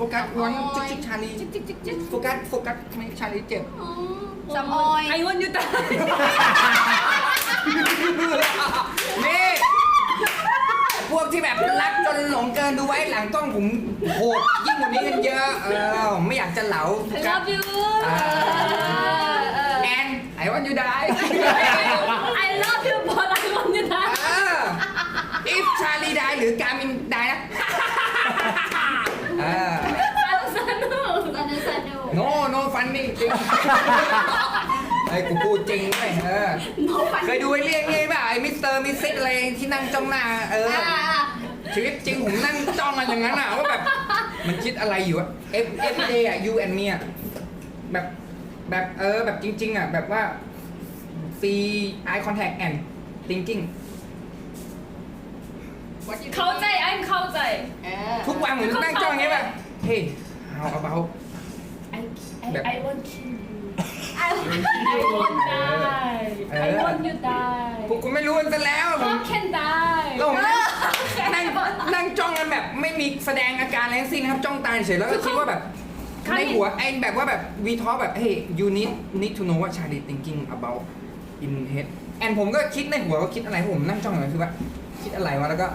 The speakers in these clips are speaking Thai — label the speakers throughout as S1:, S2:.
S1: กัสวันจิ๊กชาลีโฟกัสไม่ชาลีเจ็บ
S2: สมอย
S3: I want you die
S1: นี่พวกที่แบบรักจนหลงเกินดูไว้หลังกล้องผมโหดยิ่งกว่านี้กันเยอะไม่อยากจะเหลา
S3: I love you
S1: แอนไอ้วันยูได้
S3: I love you but I want you die
S1: if ชาลีได้หรือการมินได้นะ
S3: สนุก
S2: สนุก
S1: no funny จริงไอ้กูพูดจริงเลยเคยดูไอ้เรื่องนี้ป่ะไอ้มิสเตอร์มิสซิสอะไรที่นั่งจ้องหน้าชีวิตจริงผมนั่งจ้องกันอย่างนั้นว่าแบบมันคิดอะไรอยู่อะ every day อะ you and me อะแบบแบบจริงๆอะแบบว่า see eye contact and thinking
S3: เข้าใจ I'm เข้าใจ
S1: ทุกวันเหมือนนั่งจ้องอย่างนี้ป่ะ hey how about
S3: I want you I want die I want you die
S1: ผมก็ไม่รู้กันซะแล้วผม
S3: How can die
S1: แล้วผมนั่งจ้องกันแบบไม่มีแสดงอาการอะไรทั้งสิ้นนะครับจ้องตาเฉยแล้วก็คิดว่าแบบในหัวไอ้แบบว่าแบบวีทอแบบ hey you need to know what Charlie thinking about in head แอนผมก็คิดในหัวว่าคิดอะไรผมนั่งจ้องอย่างนั้นคือว่าคิดอะไรวะแล้วก็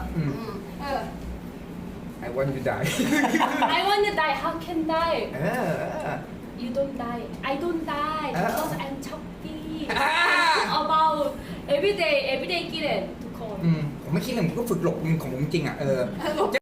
S1: I want you die
S3: I want you die How can die
S1: เออ
S3: You don't die I don't die because I'm choppy
S1: อ่า
S3: about everyday กินทุกคน
S1: ผมไม่คิดเลยผมก็ฝึกหลบของผมจริงอ่ะ